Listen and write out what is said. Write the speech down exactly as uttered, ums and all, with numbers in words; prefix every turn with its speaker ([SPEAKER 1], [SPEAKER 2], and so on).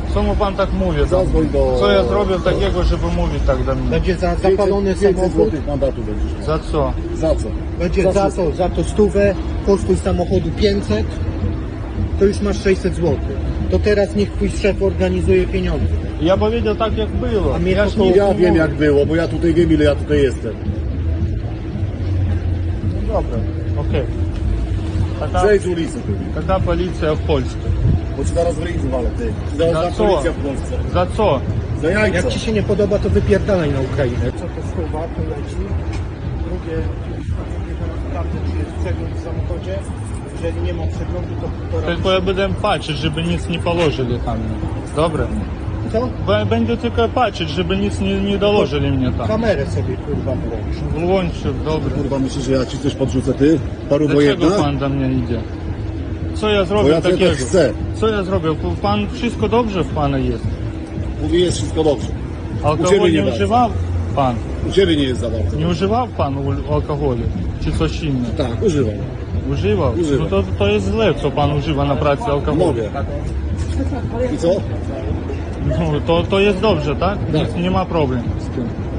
[SPEAKER 1] Czemu pan tak mówi?
[SPEAKER 2] Zadzwoń do...
[SPEAKER 1] Co ja zrobił takiego, żeby mówić tak do mnie?
[SPEAKER 3] Będzie za zapalony
[SPEAKER 2] pięćset
[SPEAKER 3] samochód,
[SPEAKER 2] złotych mandatu będziesz miał.
[SPEAKER 1] Za co?
[SPEAKER 2] Za co?
[SPEAKER 3] będzie
[SPEAKER 2] Za
[SPEAKER 3] za
[SPEAKER 2] wszystko.
[SPEAKER 3] to, za to stówę, kosztuj samochodu pięćset, to już masz sześćset złotych. To teraz niech twój szef organizuje pieniądze.
[SPEAKER 1] Ja powiedział tak jak było.
[SPEAKER 3] A mnie
[SPEAKER 1] Ja
[SPEAKER 3] to
[SPEAKER 1] ж
[SPEAKER 3] to-
[SPEAKER 1] nic
[SPEAKER 2] Ja
[SPEAKER 1] nie
[SPEAKER 2] wiem
[SPEAKER 1] mówię.
[SPEAKER 2] jak było, bo ja tutaj wiem ile ja tutaj jestem.
[SPEAKER 1] No dobra, okej. Taka,
[SPEAKER 2] Zejdź z ulicy ty.
[SPEAKER 1] taka policja w Polsce.
[SPEAKER 2] Bo ci zaraz w ryj zwalę, ty. Zaraz
[SPEAKER 1] Za
[SPEAKER 2] za
[SPEAKER 1] co?
[SPEAKER 2] policja w Polsce.
[SPEAKER 1] Za co?
[SPEAKER 2] Za jajco.
[SPEAKER 3] Jak ci się nie podoba, to wypierdalaj na Ukrainę. Co to stuwa, to leci. Drugie, sprawdzę, czy jest przegląd w samochodzie. Jeżeli nie ma przeglądu, to półtora.
[SPEAKER 1] Tylko ja będę patrzeć, żeby nic nie położyli tam. Dobra.
[SPEAKER 3] Co?
[SPEAKER 1] B- Będę tylko patrzeć, żeby nic nie, nie dołożyli mnie tam.
[SPEAKER 3] Kamerę sobie kurwa włącz.
[SPEAKER 1] Włączę, dobra.
[SPEAKER 2] Kurwa, myślisz, że ja ci coś podrzucę, ty? Paru
[SPEAKER 1] Dlaczego
[SPEAKER 2] wojenna?
[SPEAKER 1] pan do mnie idzie? Co ja
[SPEAKER 2] Bo
[SPEAKER 1] zrobił
[SPEAKER 2] ja cię
[SPEAKER 1] takiego?
[SPEAKER 2] tak chcę.
[SPEAKER 1] Co ja zrobił? Pan, wszystko dobrze w pana jest.
[SPEAKER 2] Mówi, jest wszystko dobrze. U
[SPEAKER 1] Alkohol
[SPEAKER 2] ciebie
[SPEAKER 1] nie,
[SPEAKER 2] nie bardzo.
[SPEAKER 1] używał pan?
[SPEAKER 2] U ciebie nie jest za bardzo.
[SPEAKER 1] Nie używał pan ul- alkoholu? Czy coś innego?
[SPEAKER 2] Tak, używam.
[SPEAKER 1] Używał?
[SPEAKER 2] Używam.
[SPEAKER 1] No to, to jest źle, co pan używa na pracy alkoholu.
[SPEAKER 2] Mogę. I co?
[SPEAKER 1] No, to, to jest dobrze, tak?
[SPEAKER 2] Tak.
[SPEAKER 1] Nie ma problemu z tym.